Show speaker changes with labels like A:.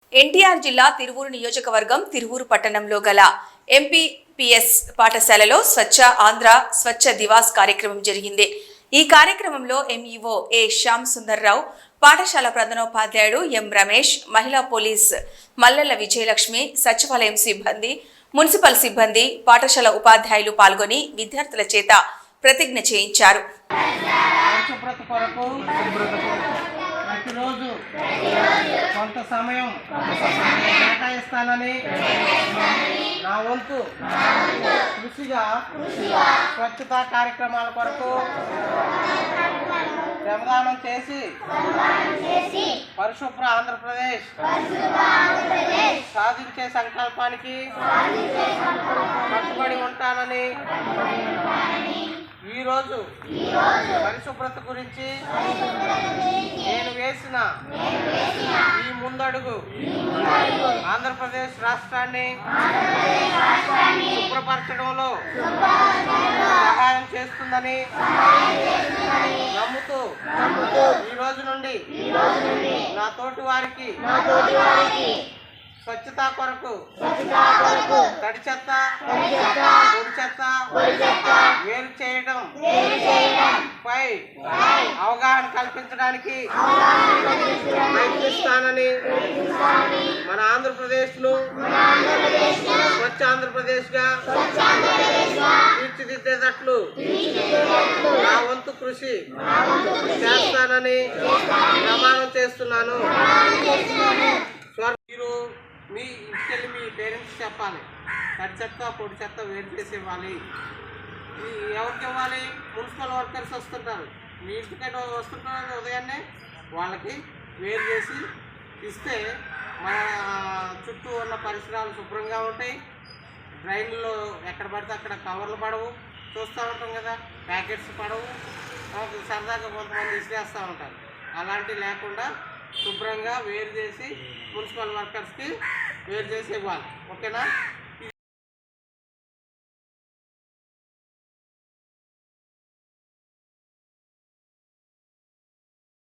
A: ఎన్టీఆర్ జిల్లా తిరువూరు నియోజకవర్గం తిరువూరు పట్టణంలో గల ఎంపీపీఎస్ పాఠశాలలో స్వచ్ఛ ఆంధ్ర స్వచ్ఛ దివాస్ కార్యక్రమం జరిగింది. ఈ కార్యక్రమంలో ఎంఈఓ ఏ శ్యామ్ సుందర్రావు, పాఠశాల ప్రధానోపాధ్యాయుడు ఎం రమేష్, మహిళా పోలీస్ మల్లెల విజయలక్ష్మి, సచివాలయం సిబ్బంది, మున్సిపల్ సిబ్బంది, పాఠశాల ఉపాధ్యాయులు పాల్గొని విద్యార్థుల చేత ప్రతిజ్ఞ చేయించారు.
B: ప్రతిరోజు కొంత సమయం కేటాయిస్తానని నా వంతు కృషిగా స్వచ్ఛతా కార్యక్రమాల కొరకు శ్రమదానం చేసి పరిశుభ్ర ఆంధ్రప్రదేశ్ సాధించే సంకల్పానికి కట్టుబడి ఉంటానని ఈరోజు పరిశుభ్రత గురించి నేను వేసిన ఈ ముందడుగు ఆంధ్రప్రదేశ్ రాష్ట్రాన్ని శుభ్రపరచడంలో సహాయం చేస్తుందని నమ్ముతూ ఈ రోజు నుండి నా తోటి వారికి స్వచ్ఛత కొరకు తడి చెత్త పొడి చెత్త వేరు చేయడం పై అవగాహన కల్పించడానికి ప్రయత్నిస్తానని మన ఆంధ్రప్రదేశ్ను స్వచ్ఛ ఆంధ్రప్రదేశ్గా తీర్చిదిద్దేటట్లు నా వంతు కృషి చేస్తానని ప్రమాణం చేస్తున్నాను. మీరు మీ ఇంటికెళ్ళి మీ పేరెంట్స్ చెప్పాలి, తడి చెత్త పొడి చెత్త వేరు చేసి ఇవ్వాలి. ఎవరికి ఇవ్వాలి? మున్సిపల్ వర్కర్స్ వస్తుంటారు, మీ ఇంటికైనా వస్తుంటారు ఉదయాన్నే, వాళ్ళకి వేరు చేసి ఇస్తే మన చుట్టూ ఉన్న పరిసరాలు శుభ్రంగా ఉంటాయి. డ్రైన్లో ఎక్కడ పడితే అక్కడ కవర్లు పడవు, చూస్తూ ఉంటాం కదా, ప్యాకెట్స్ పడవు, సరదాగా కొంతమంది విసిరేస్తూ ఉంటారు. అలాంటివి లేకుండా శుభ్రంగా వేరు చేసి మున్సిపల్ వర్కర్స్కి వేరు చేసి ఇవ్వాలి. ఓకేనా?